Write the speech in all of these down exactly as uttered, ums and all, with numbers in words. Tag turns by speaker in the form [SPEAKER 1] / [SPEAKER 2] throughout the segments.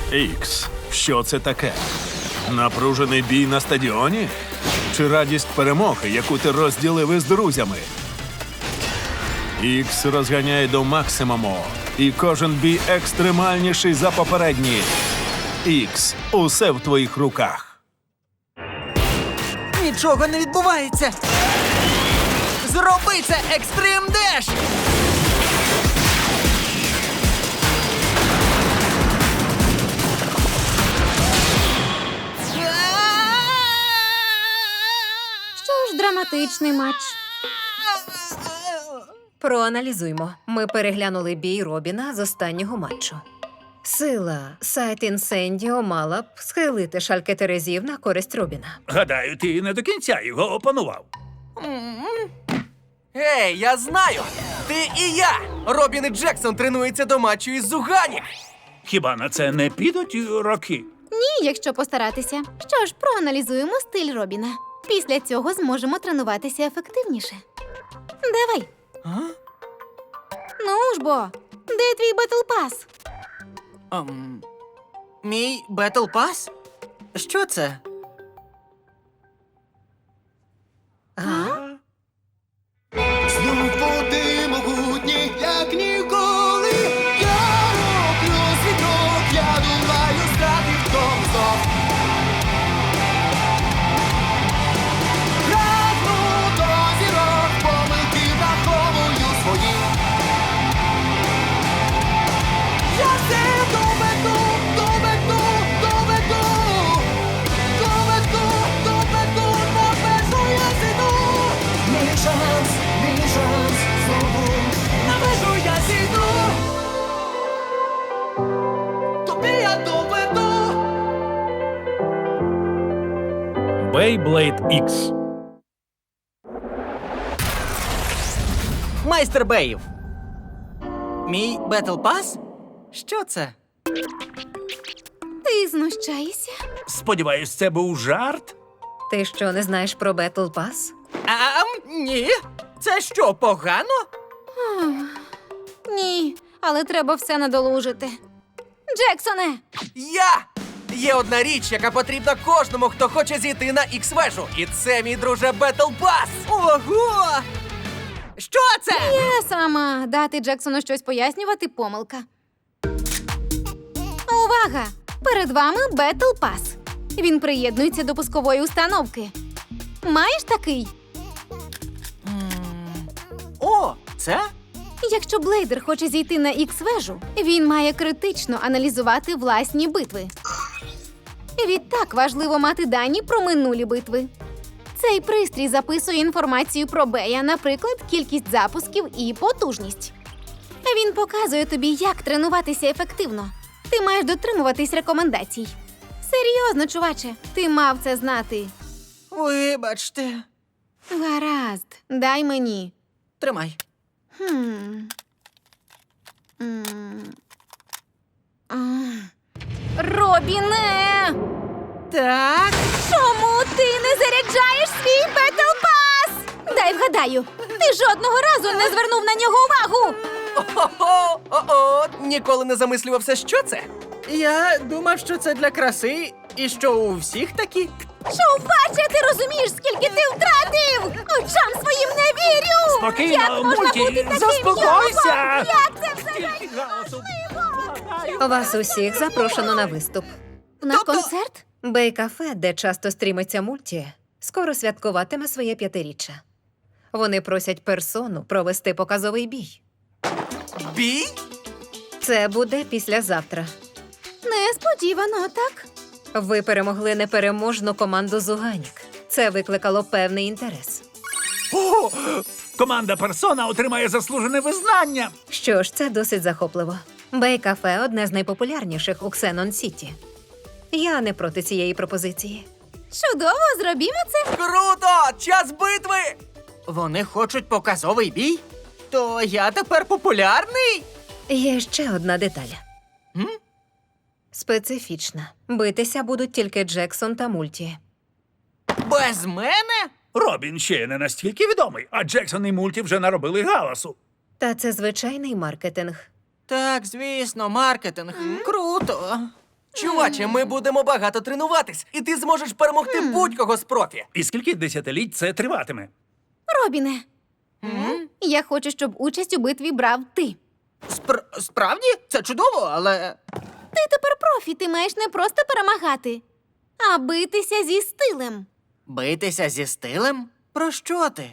[SPEAKER 1] Ікс, що це таке? Напружений бій на стадіоні? Чи радість перемоги, яку ти розділив із друзями? Ікс розганяє до максимуму, і кожен бій екстремальніший за попередній. Ікс, усе в твоїх руках.
[SPEAKER 2] Нічого не відбувається! Зроби це, Екстрим Деш!
[SPEAKER 3] Що ж, драматичний матч.
[SPEAKER 4] Проаналізуймо. Ми переглянули бій Робіна з останнього матчу. Сила Сайт Інсендіо мала б схилити шальки терезів на користь Робіна.
[SPEAKER 5] Гадаю, ти не до кінця його опанував.
[SPEAKER 2] Ей, я знаю! Ти і я! Робін і Джексон тренуються до матчу із Зуганіх!
[SPEAKER 5] Хіба на це не підуть роки?
[SPEAKER 3] Ні, якщо постаратися. Що ж, проаналізуємо стиль Робіна. Після цього зможемо тренуватися ефективніше. Давай.
[SPEAKER 2] А?
[SPEAKER 3] Ну ж бо, де твій Бетл Пас?
[SPEAKER 2] Ем, мій Бетл Пас? Що це?
[SPEAKER 6] Знов води могутні, як ніколи. Я роблю світок, я долаю страти в тому знов. Прагну до зірок, помилки враховую свої. Я все доведу, доведу, доведу. Доведу, доведу, на межу я зійду. Мій шанс, мій шанс, знову на межу я зійду. Тобі я доведу.
[SPEAKER 5] Beyblade Ікс.
[SPEAKER 2] Майстер Беїв! Мій Бетл Пас? Що це?
[SPEAKER 3] Ти знущаєшся?
[SPEAKER 5] Сподіваюсь, це був жарт?
[SPEAKER 4] Ти що, не знаєш про Бетл Пас?
[SPEAKER 2] А, ні. Це що, погано?
[SPEAKER 3] Ні, але треба все надолужити. Джексоне!
[SPEAKER 2] Я! Є одна річ, яка потрібна кожному, хто хоче зійти на ікс-вежу. І це, мій друже, Бетл Пас! Ого! Що це?
[SPEAKER 3] Я сама. Дати Джексону щось пояснювати – помилка. Увага! Перед вами Бетл Пас. Він приєднується до пускової установки. Маєш такий?
[SPEAKER 2] О, це?
[SPEAKER 3] Якщо Блейдер хоче зійти на ікс-вежу, він має критично аналізувати власні битви. Відтак важливо мати дані про минулі битви. Цей пристрій записує інформацію про Бея, наприклад, кількість запусків і потужність. Він показує тобі, як тренуватися ефективно. Ти маєш дотримуватись рекомендацій. Серйозно, чуваче, ти мав це знати.
[SPEAKER 2] Вибачте.
[SPEAKER 3] Гаразд, дай мені.
[SPEAKER 2] Тримай.
[SPEAKER 3] Хм. М. А. Робіне!
[SPEAKER 2] Так.
[SPEAKER 3] Чому ти не заряджаєш свій Бетл Пас? Дай вгадаю, ти жодного разу не звернув на нього увагу.
[SPEAKER 2] О-о-о! О-о! Ніколи не замислювався, що це. Я думав, що це для краси, і що у всіх такі.
[SPEAKER 3] Шоупаче, ти розумієш, скільки ти втратив? Очам своїм не вірю!
[SPEAKER 5] Спокійно,
[SPEAKER 3] Як можна
[SPEAKER 5] Мульті,
[SPEAKER 3] бути таким
[SPEAKER 5] заспокойся!
[SPEAKER 3] йобом? Як це взагалі
[SPEAKER 5] Стільки галасу.
[SPEAKER 3] можливо?
[SPEAKER 4] Вас усіх запрошено на виступ.
[SPEAKER 3] На
[SPEAKER 2] Тобто-
[SPEAKER 3] концерт?
[SPEAKER 4] Бей-кафе, де часто стрімиться мульті, скоро святкуватиме своє п'ятиріччя. Вони просять персону провести показовий бій.
[SPEAKER 2] Бій?
[SPEAKER 4] Це буде післязавтра.
[SPEAKER 3] Несподівано, так?
[SPEAKER 4] Ви перемогли непереможну команду Зуганік. Це викликало певний інтерес.
[SPEAKER 5] О! Команда Персона отримає заслужене визнання.
[SPEAKER 4] Що ж, це досить захопливо. Бей-кафе – одне з найпопулярніших у Ксенон-Сіті. Я не проти цієї пропозиції.
[SPEAKER 3] Чудово, зробімо це.
[SPEAKER 2] Круто! Час битви! Вони хочуть показовий бій? То я тепер популярний?
[SPEAKER 4] Є ще одна деталь.
[SPEAKER 2] М?
[SPEAKER 4] Специфічна. Битися будуть тільки Джексон та Мульті.
[SPEAKER 2] Без мене?
[SPEAKER 5] Робін ще не настільки відомий, а Джексон і Мульті вже наробили галасу.
[SPEAKER 4] Та це звичайний маркетинг.
[SPEAKER 2] Так, звісно, маркетинг. Круто. Чуваче, ми будемо багато тренуватись, і ти зможеш перемогти будь-кого з профі.
[SPEAKER 5] І скільки десятиліть це триватиме?
[SPEAKER 3] Робіне, я хочу, щоб участь у битві брав ти.
[SPEAKER 7] Спр- справді? Це чудово, але.
[SPEAKER 3] Ти тепер профі, ти маєш не просто перемагати, а битися зі стилем.
[SPEAKER 7] Битися зі стилем? Про що ти?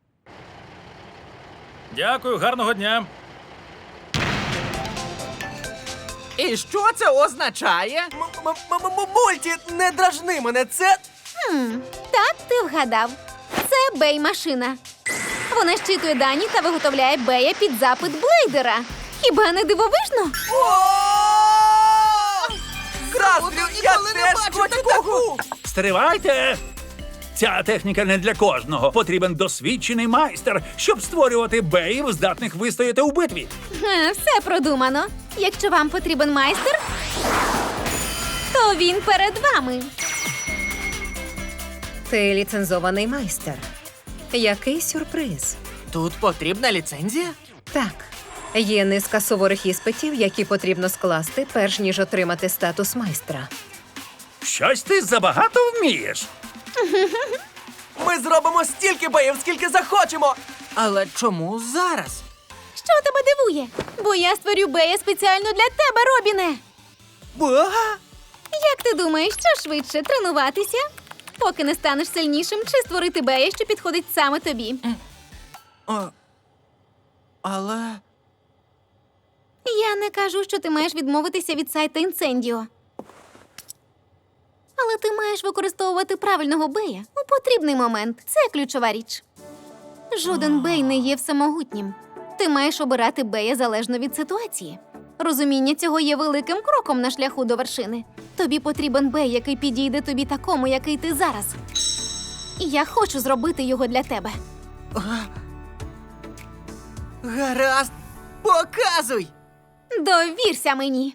[SPEAKER 8] Дякую, гарного дня.
[SPEAKER 7] І що це означає?
[SPEAKER 2] М- м- м- м- Мульті, не дражни мене, це...
[SPEAKER 3] Хм, так, ти вгадав. Це бей-машина. Вона щитує дані та виготовляє бея під запит блейдера. Хіба не дивовижно?
[SPEAKER 2] Заздрю, я
[SPEAKER 7] ніколи не
[SPEAKER 2] теж
[SPEAKER 7] бачив
[SPEAKER 2] хочу
[SPEAKER 7] такого!
[SPEAKER 2] таку!
[SPEAKER 5] Стривайте! Ця техніка не для кожного. Потрібен досвідчений майстер, щоб створювати беїв, здатних вистояти у битві.
[SPEAKER 3] Е, Все продумано. Якщо вам потрібен майстер, то він перед вами.
[SPEAKER 4] Ти ліцензований майстер. Який сюрприз?
[SPEAKER 7] Тут потрібна ліцензія?
[SPEAKER 4] Так, є низка суворих іспитів, які потрібно скласти, перш ніж отримати статус майстра.
[SPEAKER 5] Щось ти забагато вмієш.
[SPEAKER 2] Ми зробимо стільки боїв, скільки захочемо!
[SPEAKER 7] Але чому зараз?
[SPEAKER 3] Що тебе дивує? Бо я створю бея спеціально для тебе, Робіне. Як ти думаєш, що швидше тренуватися, поки не станеш сильнішим, чи створити бея, що підходить саме тобі?
[SPEAKER 7] А, але.
[SPEAKER 3] Я не кажу, що ти маєш відмовитися від сайта Інсендіо. Але ти маєш використовувати правильного бея у потрібний момент. Це ключова річ. Жоден бей не є всемогутнім. Ти маєш обирати бея залежно від ситуації. Розуміння цього є великим кроком на шляху до вершини. Тобі потрібен бей, який підійде тобі такому, який ти зараз. І я хочу зробити його для тебе.
[SPEAKER 7] Гаразд, показуй!
[SPEAKER 3] Довірся мені.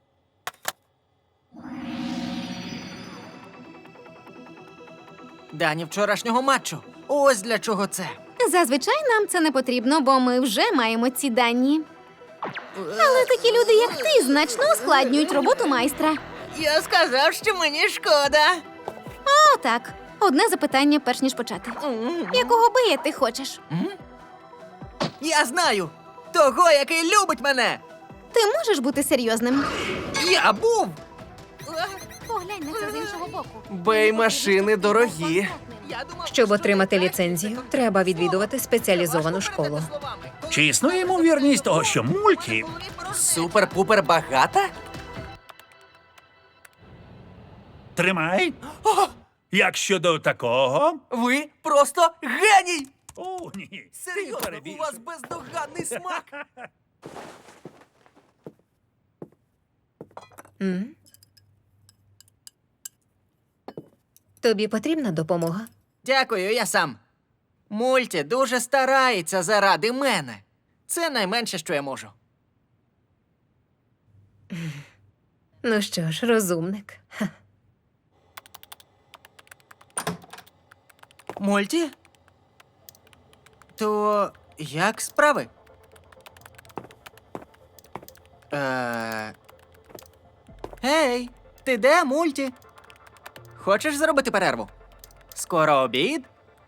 [SPEAKER 7] Дані вчорашнього матчу. Ось для чого це.
[SPEAKER 3] Зазвичай нам це не потрібно, бо ми вже маємо ці дані. Але такі люди, як ти, значно ускладнюють роботу майстра.
[SPEAKER 7] Я сказав, що мені шкода.
[SPEAKER 3] О, так. Одне запитання, перш ніж почати. Якого бея ти хочеш?
[SPEAKER 7] Я знаю! Того, який любить мене!
[SPEAKER 3] Ти можеш бути серйозним?
[SPEAKER 7] Я був!
[SPEAKER 3] Поглянь на це з іншого боку.
[SPEAKER 2] Бей-машини дорогі.
[SPEAKER 7] Я думав,
[SPEAKER 4] Щоб отримати ліцензію, треба відвідувати спеціалізовану школу.
[SPEAKER 5] Чи існує ймовірність того, що мульті
[SPEAKER 2] Супер-пупер багата?
[SPEAKER 5] тримай? Як щодо такого?
[SPEAKER 2] Ви просто геній!
[SPEAKER 5] О, ні. Ти
[SPEAKER 2] Серйозно, у
[SPEAKER 5] перебільшуєш.
[SPEAKER 2] вас бездоганний смак!
[SPEAKER 4] М? Тобі потрібна допомога?
[SPEAKER 7] Дякую, я сам. Мульті дуже старається заради мене. Це найменше, що я можу.
[SPEAKER 4] Ну що ж, розумник. Ха.
[SPEAKER 7] Мульті? То як справи? Е... Гей, ти де, Мульті? Хочеш зробити перерву? Скоро обід?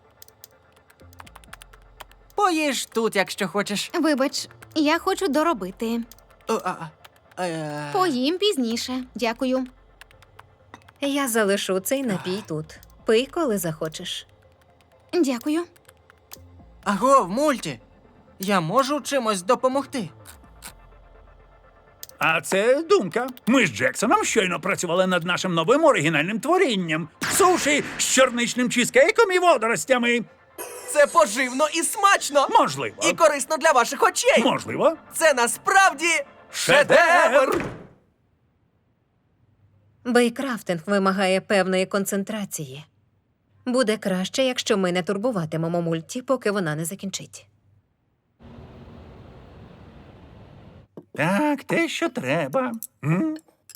[SPEAKER 7] Поїж тут, якщо хочеш.
[SPEAKER 3] Вибач, я хочу доробити.
[SPEAKER 7] О, а, а, е...
[SPEAKER 3] Поїм пізніше. Дякую.
[SPEAKER 4] Я залишу цей напій тут. Пий, коли захочеш.
[SPEAKER 3] Дякую.
[SPEAKER 7] Агов, Мульті, я можу чимось допомогти?
[SPEAKER 5] А це думка. Ми з Джексоном щойно працювали над нашим новим оригінальним творінням. Суші з чорничним чізкейком і водоростями.
[SPEAKER 2] Це поживно і смачно!
[SPEAKER 5] Можливо.
[SPEAKER 2] І корисно для ваших очей!
[SPEAKER 5] Можливо.
[SPEAKER 2] Це насправді шедевр!
[SPEAKER 4] Бейкрафтинг вимагає певної концентрації. Буде краще, якщо ми не турбуватимемо мульті, поки вона не закінчить.
[SPEAKER 5] Так, те, що треба. М?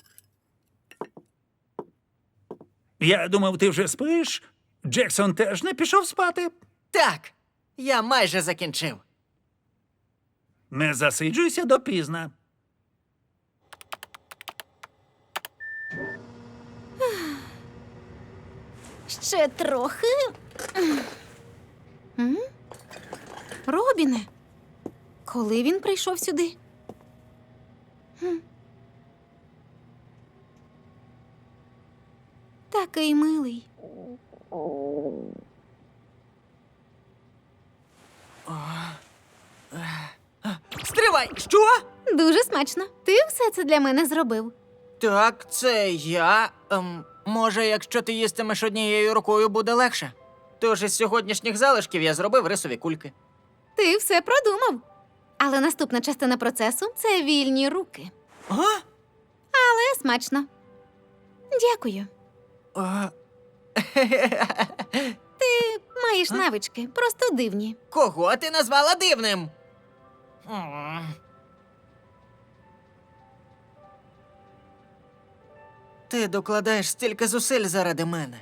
[SPEAKER 5] Я думав, ти вже спиш. Джексон теж не пішов спати.
[SPEAKER 7] Так, я майже закінчив.
[SPEAKER 5] Не засиджуйся допізна.
[SPEAKER 3] Ще трохи. М? Робіне, коли він прийшов сюди? М. Такий милий.
[SPEAKER 7] Стривай! Що?
[SPEAKER 3] Дуже смачно. Ти все це для мене зробив.
[SPEAKER 7] Так, це я. Ем, може, якщо ти їстимеш однією рукою, буде легше. Тож із сьогоднішніх залишків я зробив рисові кульки.
[SPEAKER 3] Ти все продумав. Але наступна частина процесу це вільні руки.
[SPEAKER 7] А?
[SPEAKER 3] Але смачно. Дякую.
[SPEAKER 7] А,
[SPEAKER 3] Ти маєш навички, просто дивні.
[SPEAKER 7] кого ти назвала дивним? М. Ти докладаєш стільки зусиль заради мене.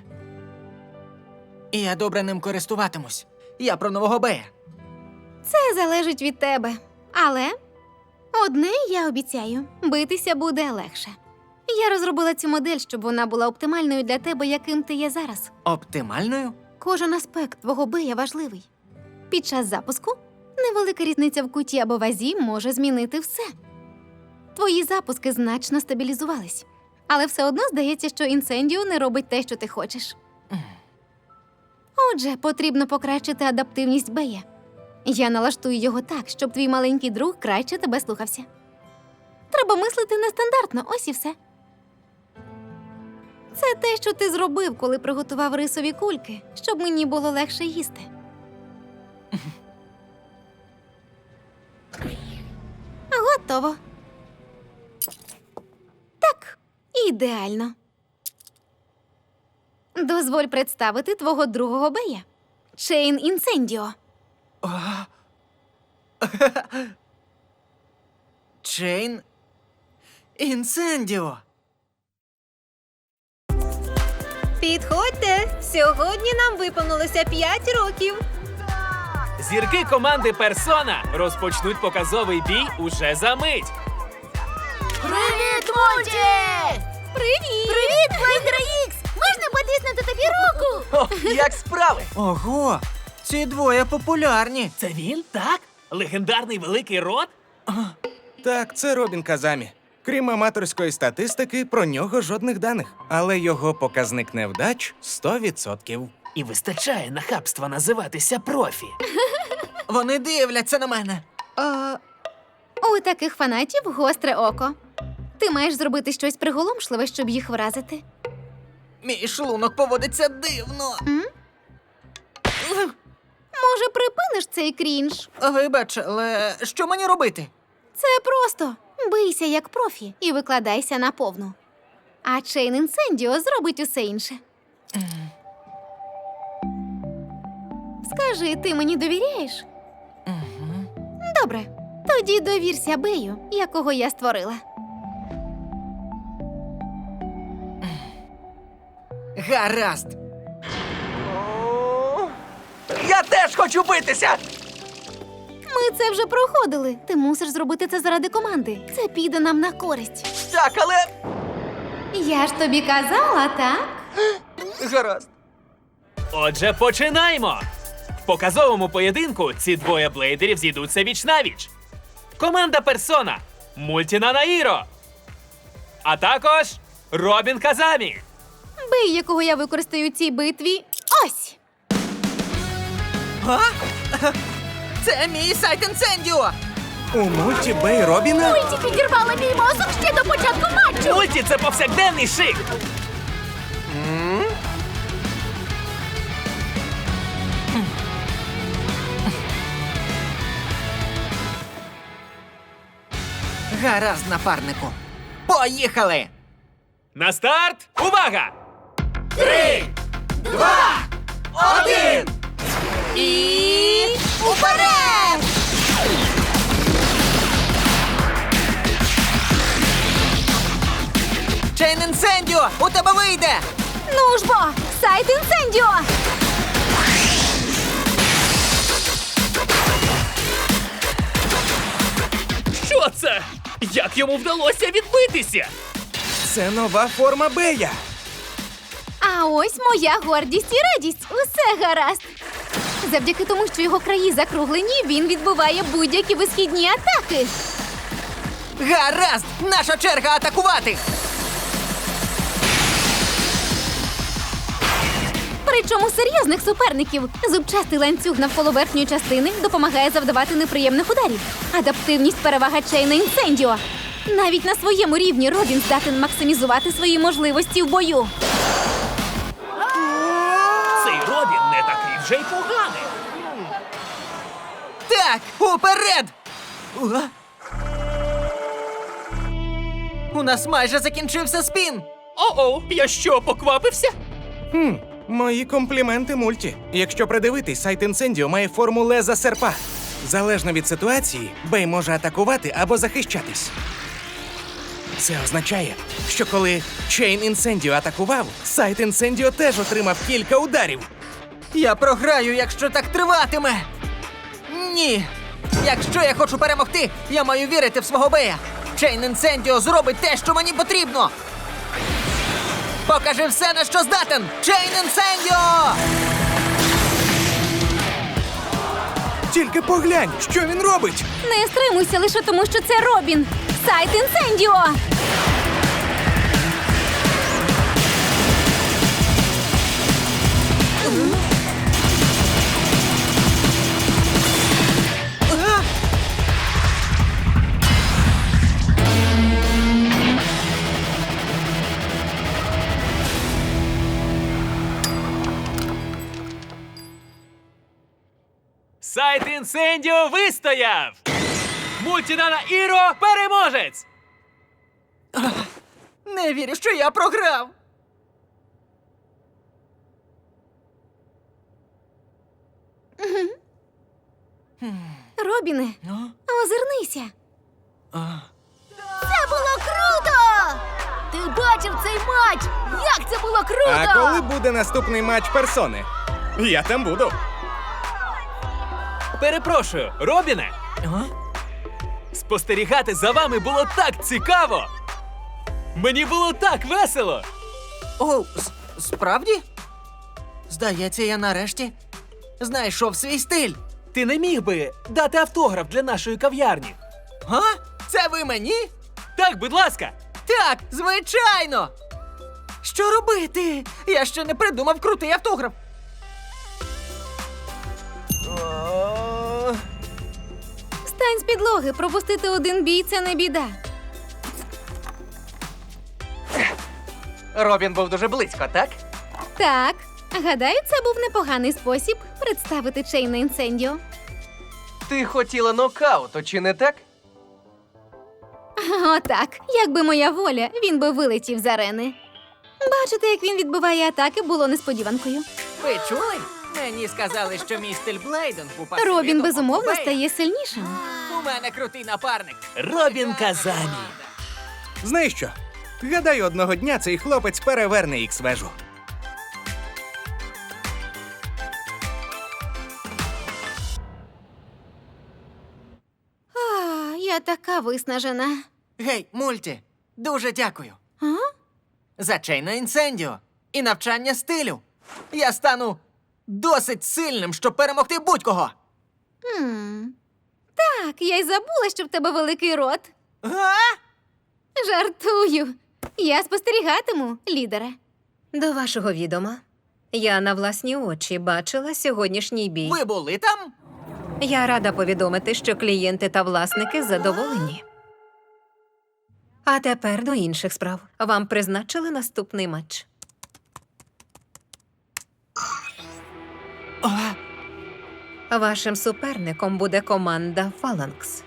[SPEAKER 7] І я добре ним користуватимусь. Я про нового Бея.
[SPEAKER 3] Це залежить від тебе. Але одне я обіцяю: битися буде легше. Я розробила цю модель, щоб вона була оптимальною для тебе, яким ти є зараз.
[SPEAKER 7] Оптимальною?
[SPEAKER 3] Кожен аспект твого бия важливий. Під час запуску невелика різниця в куті або вазі може змінити все. Твої запуски значно стабілізувались, але все одно здається, що інсендіо не робить те, що ти хочеш. Отже, потрібно покращити адаптивність бея. Я налаштую його так, щоб твій маленький друг краще тебе слухався. Треба мислити нестандартно, ось і все. Це те, що ти зробив, коли приготував рисові кульки, щоб мені було легше їсти. Готово. Так, ідеально. Дозволь представити твого другого бея. Чейн Інсендіо.
[SPEAKER 7] Чейн Інсендіо.
[SPEAKER 4] Підходьте! Сьогодні нам виповнилося п'ять років.
[SPEAKER 9] Зірки команди Персона розпочнуть показовий бій уже за мить.
[SPEAKER 3] Привіт, Мульті! Привіт! Привіт, Блейдера Ікс! Можна потиснути тобі руку?
[SPEAKER 2] О, як справи?
[SPEAKER 7] Ого! Ці двоє популярні.
[SPEAKER 9] Це він, так? Легендарний великий рот?
[SPEAKER 10] Так, це Робін Казамі. Крім аматорської статистики, про нього жодних даних. Але його показник невдач сто відсотків.
[SPEAKER 9] І вистачає нахабства називатися профі.
[SPEAKER 7] Вони дивляться на мене.
[SPEAKER 3] О, у таких фанатів гостре око. Ти маєш зробити щось приголомшливе, щоб їх вразити.
[SPEAKER 7] Мій шлунок поводиться дивно.
[SPEAKER 3] М? Може, припиниш цей крінж?
[SPEAKER 7] Вибач, але що мені робити?
[SPEAKER 3] Це просто. Бийся як профі і викладайся на повну. А Чейн Інсендіо зробить усе інше. Скажи, ти мені довіряєш? Добре. Тоді довірся Бею, якого я створила.
[SPEAKER 7] Гаразд.
[SPEAKER 2] Я теж хочу битися!
[SPEAKER 3] Ми це вже проходили. Ти мусиш зробити це заради команди. Це піде нам на користь.
[SPEAKER 2] Так, але.
[SPEAKER 3] Я ж тобі казала, так?
[SPEAKER 2] Гаразд.
[SPEAKER 9] Отже, починаємо! В показовому поєдинку ці двоє блейдерів зійдуться віч-навіч. Команда Персона, Мультіна Наїро, а також Робін Казамі.
[SPEAKER 3] Бей, якого я використаю у цій битві, ось!
[SPEAKER 7] А? Це мій сайт Інсендіо!
[SPEAKER 10] У мульті Бей Робіна?
[SPEAKER 3] Мульті підірвала мій мозок ще до початку матчу!
[SPEAKER 9] Мульті – це повсякденний шик.
[SPEAKER 7] Гаразд, напарнику. Поїхали!
[SPEAKER 9] На старт! Увага!
[SPEAKER 2] Три, два, один!
[SPEAKER 3] І уперед!
[SPEAKER 7] Чейн Інсендіо, у тебе вийде!
[SPEAKER 3] Ну ж бо, сайт Інсендіо!
[SPEAKER 9] Що це? Як йому вдалося відбитися?
[SPEAKER 10] Це нова форма Бея.
[SPEAKER 3] А А ось моя гордість і радість. Усе гаразд. Завдяки тому, що його краї закруглені, він відбиває будь-які висхідні атаки.
[SPEAKER 2] Гаразд! Наша черга атакувати!
[SPEAKER 3] Причому серйозних суперників. Зубчастий ланцюг навколо верхньої частини допомагає завдавати неприємних ударів. Адаптивність перевага Чейна Інсендіо. Навіть на своєму рівні Робін здатен максимізувати свої можливості в бою.
[SPEAKER 9] Цей Робін не такий вже й поганий.
[SPEAKER 2] Так, уперед! Уа! У нас майже закінчився спін!
[SPEAKER 9] О-о, я що, поквапився?
[SPEAKER 10] Хм, мої компліменти мульті. Якщо придивитись, сайт Інсендіо має форму леза серпа. Залежно від ситуації, Бей може атакувати або захищатись. Це означає, що коли Чейн Інсендіо атакував, сайт Інсендіо теж отримав кілька ударів.
[SPEAKER 2] Я програю, якщо так триватиме. Ні. Якщо я хочу перемогти, я маю вірити в свого Бея. Чейн Інсендіо зробить те, що мені потрібно. Покажи все, на що здатен! Чейн Інсендіо!
[SPEAKER 10] Тільки поглянь, що він робить!
[SPEAKER 3] Не стримуйся лише тому, що це Робін. Сайт Інсендіо!
[SPEAKER 9] Сайт Інсендіо вистояв! Мультінана Іро переможець!
[SPEAKER 2] Не вірю, що я програв.
[SPEAKER 3] Робіне, озирнися.
[SPEAKER 6] Це було круто! Ти бачив цей матч? Як це було круто!
[SPEAKER 10] А коли буде наступний матч персони? Я там буду.
[SPEAKER 9] Перепрошую, Робіне! Спостерігати за вами було так цікаво! Мені було так весело!
[SPEAKER 2] О, с- справді? Здається, я нарешті знайшов свій стиль.
[SPEAKER 9] Ти не міг би дати автограф для нашої кав'ярні?
[SPEAKER 2] Га? Це ви мені?
[SPEAKER 9] Так, будь ласка!
[SPEAKER 2] Так, звичайно! Що робити? Я ще не придумав крутий автограф. О,
[SPEAKER 3] Встань з підлоги, пропустити один бій – це не біда.
[SPEAKER 2] Робін був дуже близько, так?
[SPEAKER 3] Так, гадаю, це був непоганий спосіб представити Чейна Інсендіо.
[SPEAKER 2] Ти хотіла нокауту, чи не так?
[SPEAKER 3] Отак, якби моя воля, він би вилетів з арени. Бачити, як він відбиває атаки, було несподіванкою.
[SPEAKER 2] Ви чули? Мені сказали, що мій стиль блейдингу пасує
[SPEAKER 3] Робін,
[SPEAKER 2] до
[SPEAKER 3] безумовно,
[SPEAKER 2] Бея.
[SPEAKER 3] стає сильнішим.
[SPEAKER 2] У мене крутий напарник.
[SPEAKER 9] Робін Казамі!
[SPEAKER 10] Знаєш що? Гадаю, одного дня цей хлопець переверне ікс-вежу.
[SPEAKER 3] А, я така виснажена.
[SPEAKER 2] Гей, мульті, дуже дякую.
[SPEAKER 3] А?
[SPEAKER 2] За Чейна Інсендіо і навчання стилю. Я стану досить сильним, щоб перемогти будь-кого.
[SPEAKER 3] Хм. Так, я й забула, що в тебе великий рот.
[SPEAKER 2] Га?
[SPEAKER 3] Жартую. Я спостерігатиму, лідере.
[SPEAKER 4] До вашого відома, я на власні очі бачила сьогоднішній бій.
[SPEAKER 2] Ви були там?
[SPEAKER 4] Я рада повідомити, що клієнти та власники задоволені. А тепер до інших справ. Вам призначили наступний матч. Вашим суперником буде команда Фаланкс.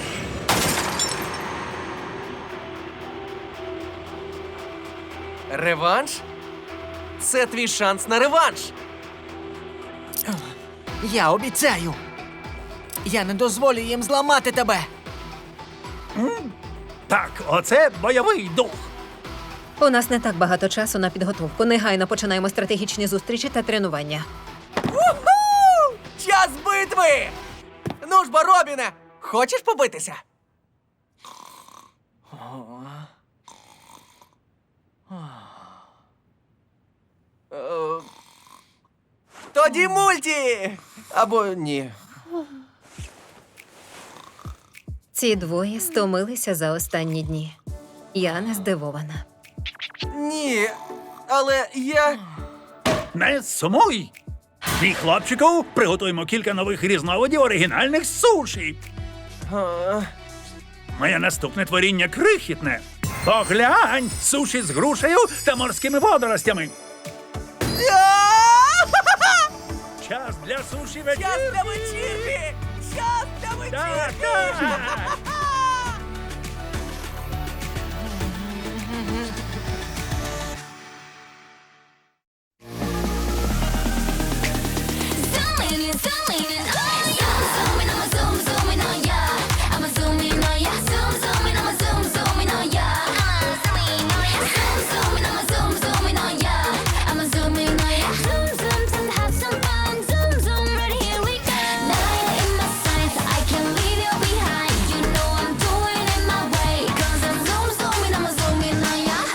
[SPEAKER 2] Реванш? Це твій шанс на реванш. Я обіцяю. Я не дозволю їм зламати тебе.
[SPEAKER 5] Так, оце бойовий дух.
[SPEAKER 4] У нас не так багато часу на підготовку. Негайно починаємо стратегічні зустрічі та тренування.
[SPEAKER 2] Уху! Час битви! Ну ж бо, Робіне, хочеш побитися?
[SPEAKER 11] Тоді мульті! Або ні.
[SPEAKER 4] Ці двоє стомилися за останні дні. Я не здивована.
[SPEAKER 11] Ні. Але я.
[SPEAKER 5] Не сумуй! Мій хлопчику, приготуємо кілька нових різновидів оригінальних суші.
[SPEAKER 11] А,
[SPEAKER 5] Моє наступне творіння крихітне. Поглянь! Суші з грушею та морськими водоростями. Час для суші вечірки!
[SPEAKER 11] Час для вечірки! Час для
[SPEAKER 5] Так,
[SPEAKER 11] вечірки!
[SPEAKER 5] так!
[SPEAKER 6] Zooming in, zooming in, oh yeah. Zooming, I'ma zoom, zooming, oh yeah. I'ma zoom in, oh yeah. Zoom, zooming, I'ma zoom, zooming, oh yeah. I'ma zoom in, oh yeah. Zoom, zooming, I'ma zoom, zooming, oh yeah. I'ma zoom in, oh yeah. Zoom, zoom, zoom, have some fun. Zoom, zoom, right here we go. Nine in my sights, I can't leave you behind. You know I'm doing it my way. 'Cause I'm zoom, zooming, I'ma zoom in, oh yeah.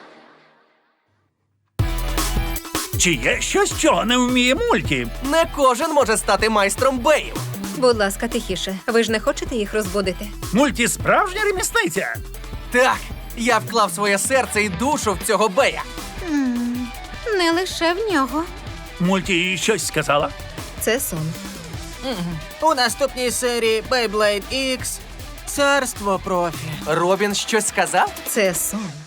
[SPEAKER 5] Чи є щось, чого не вміє мульті?
[SPEAKER 11] Не кожен може стати майстром беїв.
[SPEAKER 4] Будь ласка, тихіше. Ви ж не хочете їх розбудити?
[SPEAKER 5] Мульті справжня ремісниця.
[SPEAKER 11] Так, я вклав своє серце і душу в цього бея.
[SPEAKER 3] М, Не лише в нього.
[SPEAKER 5] Мульті їй щось сказала.
[SPEAKER 4] Це сон.
[SPEAKER 7] У наступній серії Beyblade X Царство профі.
[SPEAKER 11] Робін щось сказав?
[SPEAKER 4] Це сон.